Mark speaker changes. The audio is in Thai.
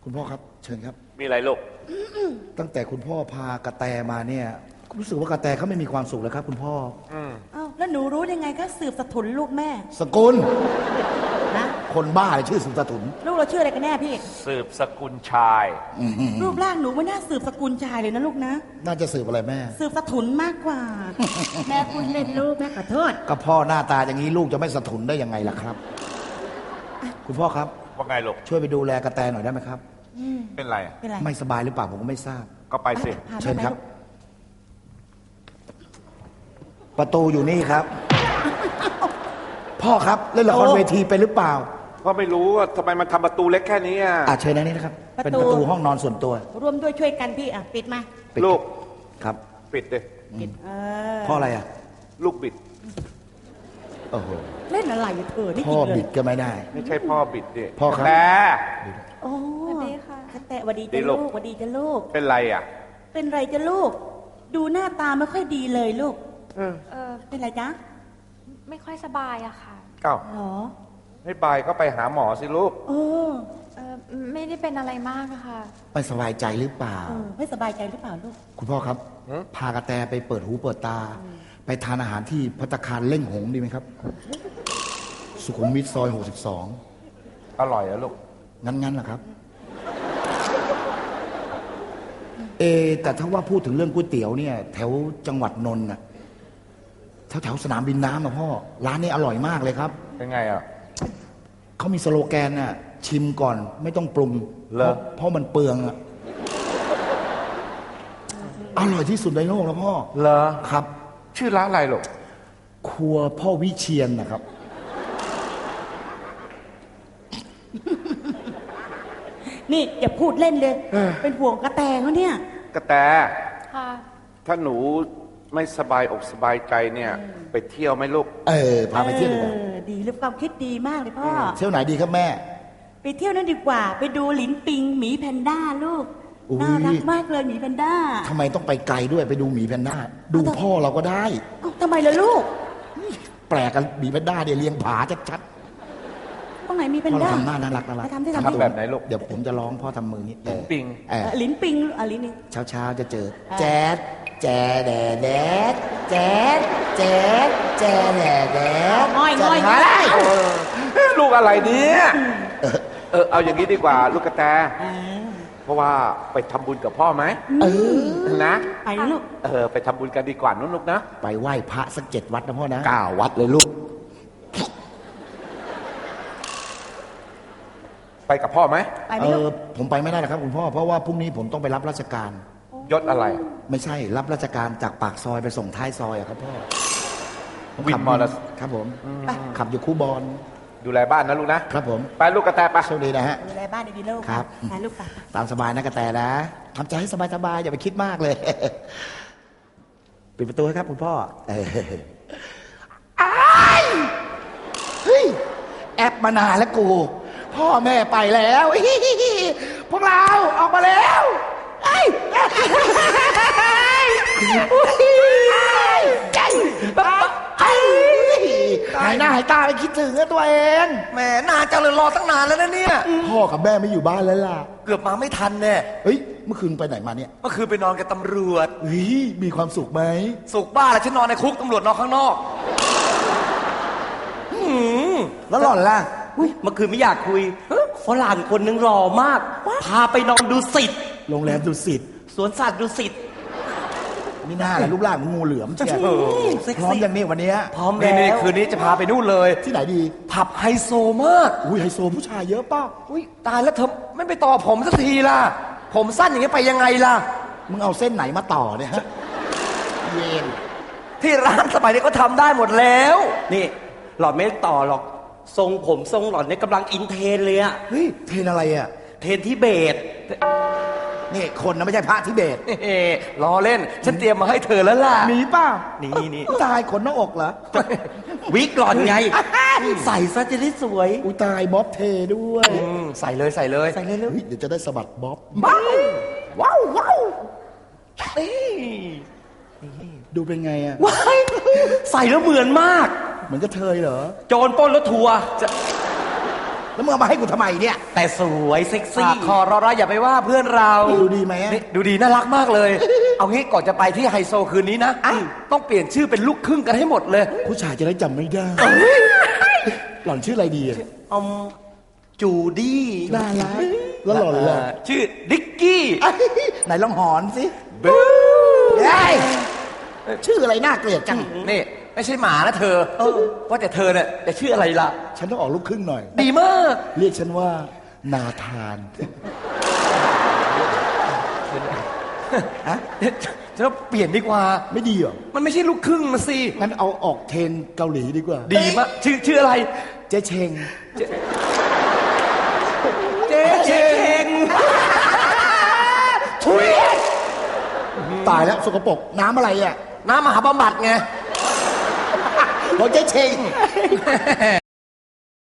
Speaker 1: คุณพ่อครับเชิญครับ
Speaker 2: มีอะไรลูก
Speaker 1: ตั้งแต่คุณพ่อพากระแตมาเนี่ยรู้สึกว่ากระแตเขาไม่มีความสุขเลยครับคุณพ่อ
Speaker 3: อ้าวแล้วหนูรู้ยังไงก็สืบสถุนลูกแม่
Speaker 1: สกุล
Speaker 3: นะ
Speaker 1: คนบ้าเลยชื่อสืบสถุน
Speaker 3: ลูกเราชื่ออะไรกันแน่พี่
Speaker 2: สืบสกุลชาย
Speaker 3: รูปร่างหนูไม่น่าสืบสกุลชายเลยนะลูกนะ
Speaker 1: น่าจะสืบอะไรแม่
Speaker 3: สืบสถุนมากกว่าแม่คุณเล่นลูกแม่ขอโทษ
Speaker 1: ก็พ่อหน้าตาอย่างนี้ลูกจะไม่สถุนได้ยังไงล่ะครับคุณพ่อครับ
Speaker 2: ว่าไงลูก
Speaker 1: ช่วยไปดูแลกระแตหน่อยได้ไหมครับ
Speaker 2: เป็นไร
Speaker 1: ไม่สบายหรือเปล่าผมก็ไม่ทราบ
Speaker 2: ก็ไปสิ
Speaker 1: เชิญครับประตูอยู่นี่ครับพ่อครับเล่นละครเวทีไปหรือเปล่า
Speaker 2: พ่อไม่รู้ว่าทำไมมันทำประตูเล็กแค่นี้
Speaker 1: เชิญในนี้นะครับเป็นประตูห้องนอนส่วนตัว
Speaker 3: ร่วมด้วยช่วยกันพี่ปิดมา
Speaker 2: ลูก
Speaker 1: ครับ
Speaker 2: ปิดดิ
Speaker 3: ปิด
Speaker 1: พ่ออะไร
Speaker 2: ลูกบิด
Speaker 1: โอ้โห
Speaker 3: เล่นอะไรเธอนี่
Speaker 1: พ่อบิดก็ไม่ได้
Speaker 2: ไม่ใช่พ่อบิดดิ
Speaker 1: พ่อครับ
Speaker 3: โอ้สวัสดีค่ะแต่สวัสดีจ้าลูกสวัสดีจ้าลูก
Speaker 2: เป็นไร
Speaker 3: เป็นไรจ้าลูกดูหน้าตาไม่ค่อยดีเลยลูกเป็นไรจ๊ะ
Speaker 4: ไม่ค่อยสบายอะค่ะ
Speaker 2: เอ้า
Speaker 3: หรอ
Speaker 2: ไม่บายก็ไปหาหมอสิลูก
Speaker 4: ไม่ได้เป็นอะไรมากอะค่ะ
Speaker 1: ไม่สบายใจหรือเปล่า
Speaker 3: ไม่สบายใจหรือเปล่าลูก
Speaker 1: คุณพ่อครับพากระแตไปเปิดหูเปิดตาไปทานอาหารที่ภัตตาคารเล่งหงดีไหมครับสุขุมวิทซอย62
Speaker 2: อร่อยอะลูก
Speaker 1: งั้นเหรอครับแต่ถ้าว่าพูดถึงเรื่องก๋วยเตี๋ยวเนี่ยแถวจังหวัดนนท์น่ะแถวสนามบินน้ำพ่อร้านนี้อร่อยมากเลยครับ
Speaker 2: เป็นไง
Speaker 1: เขามีสโลแกนน่ะชิมก่อนไม่ต้องปรุงเพราะมันเปลืองอร่อยที่สุดในโลกแล้วพ่อ
Speaker 2: เหรอ
Speaker 1: ครับ
Speaker 2: ชื่อร้านอะไรลูก
Speaker 1: ครัวพ่อวิเชียรนะครับ
Speaker 3: นี่อย่าพูดเล่นเลยเป็นห่วงกระแตเขาเนี่ย
Speaker 2: กระแตค่ะถ้าหนูไม่สบายอกสบายใจเนี่ยไปเที่ยวไหมลูก
Speaker 1: พาไปเที่ยวดีกว่า
Speaker 3: ดีหรือความคิดดีมากเลยพ่อ
Speaker 1: เที่ยวไหนดีครับแม่
Speaker 3: ไปเที่ยวนั้นดีกว่าไปดูหลินปิงหมีแพนด้าลูกน่ารักมากเลยหมีแพนด้า
Speaker 1: ทำไมต้องไปไกลด้วยไปดูหมีแพนด้าดูพ่อเราก็ได้
Speaker 3: ทำไมล่ะลูก
Speaker 1: แปลกกันหมีแพนด้าเดี๋ยวเลี้ยงผาชัด
Speaker 3: ตรงไหนมีแพนด้า
Speaker 1: ทำหน้าน่ารัก
Speaker 2: ทำแบบไหนลูก
Speaker 1: เดี๋ยวผมจะร้องพ่อทำมือนี้
Speaker 2: ลิ้นปิง
Speaker 3: ลิ้นปิงลิ้นนี่
Speaker 1: เช้าจะเจอแจ๊ดแจ๊ดแดดแจ๊ดแจ๊ดแจ๊ดแดด
Speaker 3: ง่อย
Speaker 2: ลูกอะไรเนี่ยเอาอย่างนี้ดีกว่าลูกกระแตเพราะว่าไปทำบุญกับพ่อไหมนะ
Speaker 3: ไปลูก
Speaker 2: ไปทำบุญกันดีกว่านุ๊กนะ
Speaker 1: ไปไหว้พระสัก7 วัดนะพ่อนะ
Speaker 2: 9 วัดเลยลูกไปกับพ่อไหม
Speaker 1: ผมไปไม่ได้นะครับคุณพ่อเพราะว่าพรุ่งนี้ผมต้องไปรับราชการ
Speaker 2: ยศอะไร
Speaker 1: ไม่ใช่รับราชการจากปากซอยไปส่งท้ายซอยครับพ่อ
Speaker 2: วินมอเตอร์
Speaker 1: ครับผมขับอยู่คู่บอล
Speaker 2: ดูแลบ้านนะลูกนะครับ
Speaker 1: ผม
Speaker 2: ไปลูกกระแตไป
Speaker 1: โชคดีนะฮะ
Speaker 3: ดูแลบ้านดีๆลูก
Speaker 1: ครับ
Speaker 3: ไปลูกไป
Speaker 1: ตามสบายนะกระแตนะทำใจให้สบายๆอย่าไปคิดมากเลยปิดประตูให้ครับคุณพ่อเฮ้ยแอบมานานแล้วกูพ่อแม่ไปแล้วพวกเราออกมาแล้วหายหน้าหายตาไปคิดถึงตัวเอง
Speaker 5: แหมนานจังเลยรอตั้งนานแล้วนะเนี่ย
Speaker 1: พ่อกับแม่ไม่อยู่บ้านแล้วล่ะ
Speaker 5: เกือบมาไม่ทันแน่
Speaker 1: เฮ้ยเมื่อคืนไปไหนมาเนี่ย
Speaker 5: เมื่อคืนไปนอนกับตำรวจ
Speaker 1: เฮ้ยมีความสุขไหม
Speaker 5: สุขบ้าแล้วฉันนอนในคุกตำรวจนอนข้างนอก
Speaker 1: แล้วหล่อนล่ะ
Speaker 5: เมื่อคืนไม่อยากคุยฝรั่งคนนึงหล่อมากพาไปนอนดุสิต
Speaker 1: โรงแรมดุสิต
Speaker 5: สวนสัตว์ดุสิต
Speaker 1: ไม่น่าเลยรูปร่างงูเหลือมเชียวพร้อมอย่างนี้วันนี้
Speaker 5: พร้อมแล้วนี่คืนนี้จะพาไปนู่นเลย
Speaker 1: ที่ไหนดี
Speaker 5: ผับไฮโซมาก
Speaker 1: ไฮโซผู้ชายเยอะป่ะ
Speaker 5: ตายแล้วเธอไม่ไปต่อผมสักทีล่ะผมสั้นอย่างนี้ไปยังไงล่ะ
Speaker 1: มึงเอาเส้นไหนมาต่อเนี่ยฮะเย็น
Speaker 5: ที่ร้านสมัยนี้ก็ทำได้หมดแล้วนี่หล่อนไม่ต่อหรอกทรงผมทรงหล่อนเนี่ยกำลังอินเทรนเลยอะ
Speaker 1: เฮ้ยเทรนอะไรอะ
Speaker 5: เทรนทิเบต
Speaker 1: นี่คนนะไม่ใช่พระทิเบต
Speaker 5: ล้อเล่นฉันเตรียมมาให้เธอแล้วล่ะ
Speaker 1: มีป่ะ
Speaker 5: นี่
Speaker 1: ตายขนหน้าอกเหรอ
Speaker 5: วิกหล่อนไงใส่ซะจะได้สวย
Speaker 1: ตายบ๊อบเทด้วย
Speaker 5: ใส่เลย
Speaker 1: เดี๋ยวจะได้สะบัดบ๊อบ
Speaker 5: ว้าว
Speaker 1: ดูเป็นไงอะ
Speaker 5: ใส่แล้วเหมือนมาก
Speaker 1: เหมือนกระเทยเหรอ
Speaker 5: โจรปล้นรถทัวร์
Speaker 1: แล้วมึงเอามาให้กูทำไมเนี่ย
Speaker 5: แต่สวยเซ็กซี่คอรอๆอย่าไปว่าเพื่อนเรา
Speaker 1: ดูดีไหม
Speaker 5: นี่ดูดีน่ารักมากเลย เอางี้ก่อนจะไปที่ไฮโซคืนนี้นะต้องเปลี่ยนชื่อเป็นลูกครึ่งกันให้หมดเลย
Speaker 1: ผู้ชายจะได้จำไม่ได้ หล่อนชื่ออะไรดีอะ
Speaker 5: จูดี้
Speaker 1: น่ารักแล้วหล่อนล่ะ
Speaker 5: ชื่อดิกกี้
Speaker 1: ไหนลองหอนสิเฮ้ยชื่ออะไรน่าเกลียดจัง
Speaker 5: นี่ไม่ใช่หมานะเธอว่าแต่เธอเนี่ยจะชื่ออะไรล่ะ
Speaker 1: ฉันต้องออกลูกครึ่งหน่อย
Speaker 5: ดีมาก
Speaker 1: เรียกฉันว่า นาธาน ฮะ
Speaker 5: จะเปลี่ยนดีกว่า
Speaker 1: ไม่ดีเหรอ
Speaker 5: มันไม่ใช่ลูกครึ่งมาสิ
Speaker 1: งั้นเอาออกเทรนเกาหลีดีกว่า
Speaker 5: ดีมากชื่ออะไร
Speaker 1: เจ๊เชง
Speaker 5: เจ๊เชง
Speaker 1: ทุยตายแล้วสกปรกน้ำอะไรอ่ะ
Speaker 5: น้ำมหาบำบัดไง
Speaker 1: บอกเจ๊เชง